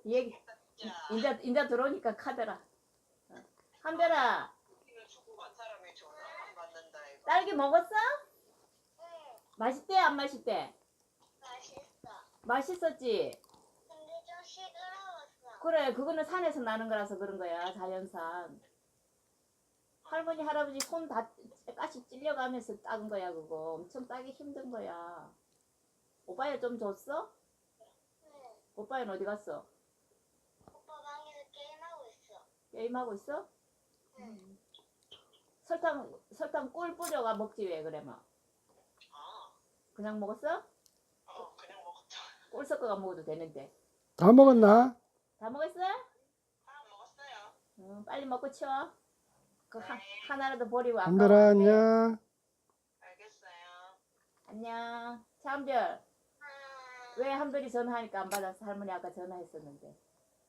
얘기 진짜. 인자 들어오니까 카더라. 한별아, 이거 축구 간 사람이 전화 안 받는다 이거. 딸기 먹었어? 응, 맛있대 안 맛있대? 맛있어. 맛있었지? 근데 좀 시끄러웠어. 그래, 그거는 산에서 나는 거라서 그런 거야, 자연산. 할머니 할아버지 손 다 가시 찔려가면서 따은 거야, 그거. 엄청 따기 힘든 거야. 오빠야 좀 줬어? 응, 오빠는 어디 갔어? 오빠 방에서 게임하고 있어. 게임하고 있어? 응, 설탕 꿀 뿌려가 먹지 왜 그래 뭐. 아, 그냥 먹었어? 그냥 먹었다. 꿀 섞어가 먹어도 되는데. 다 먹었나? 다 먹었어? 먹었어요. 응, 빨리 먹고 치워. 그 네. 하나라도 버리고 안 한별아, 가고. 안녕. 알겠어요. 안녕. 차한별. 왜 한별이 전화하니까 안 받았어? 할머니 아까 전화했었는데.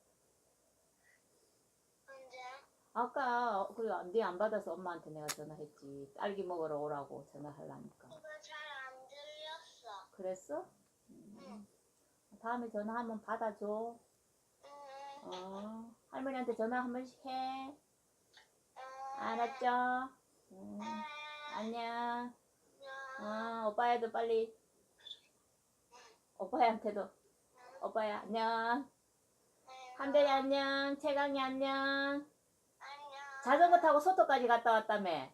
언제? 아까 그래 네안 받아서 엄마한테 내가 전화했지. 딸기 먹으러 오라고 전화하려니까. 이거 잘 안 들렸어. 그랬어? 응, 다음에 전화하면 받아줘. 응, 할머니한테 전화 한 번씩 해. 응. 알았죠? 안녕. 오빠야도 빨리. 오빠야한테도. 오빠야 안녕. 한별이 안녕. 채강이 안녕. 안녕. 자전거 타고 소토까지 갔다 왔다며.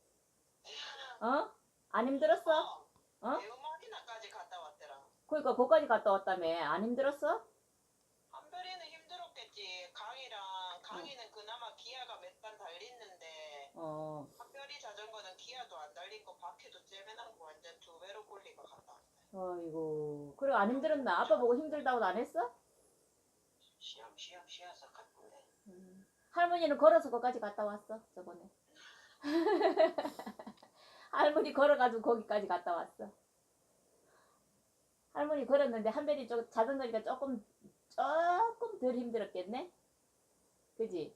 어? 안 힘들었어? 어? 대우마리나까지 갔다 왔더라. 그러니까 거기까지 갔다 왔다며. 안 힘들었어? 한별이는 힘들었겠지. 강이는 그나마 기아가 몇 번 달렸는데 한별이 자전거는 기아도 안 달린 거 바퀴도 째매난 거 완전 두 배로 굴리고 갔다 왔다. 아이고. 그래 안 힘들었나? 아빠 보고 힘들다고도 안 했어? 쉬어서 갔는데. 할머니는 걸어서 거기까지 갔다 왔어 저번에. 할머니 걸어가지고 거기까지 갔다 왔어. 할머니 걸었는데 한별이 자전거니까 조금 덜 힘들었겠네? 그지?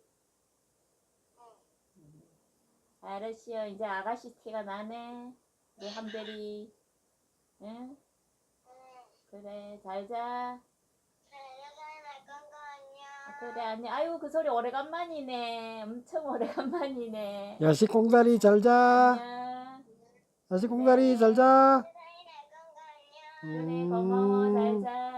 알았어. 이제 아가씨 티가 나네. 우리 한별이. 응? 그래 잘 자. 잘 건가 안녕. 그래 안녕. 아유 그 소리 오래간만이네. 엄청 오래간만이네. 야식 공다리 잘 자. 안녕. 야식 공다리 잘 자. 잘 건가 안녕. 그래 고마워 잘 자.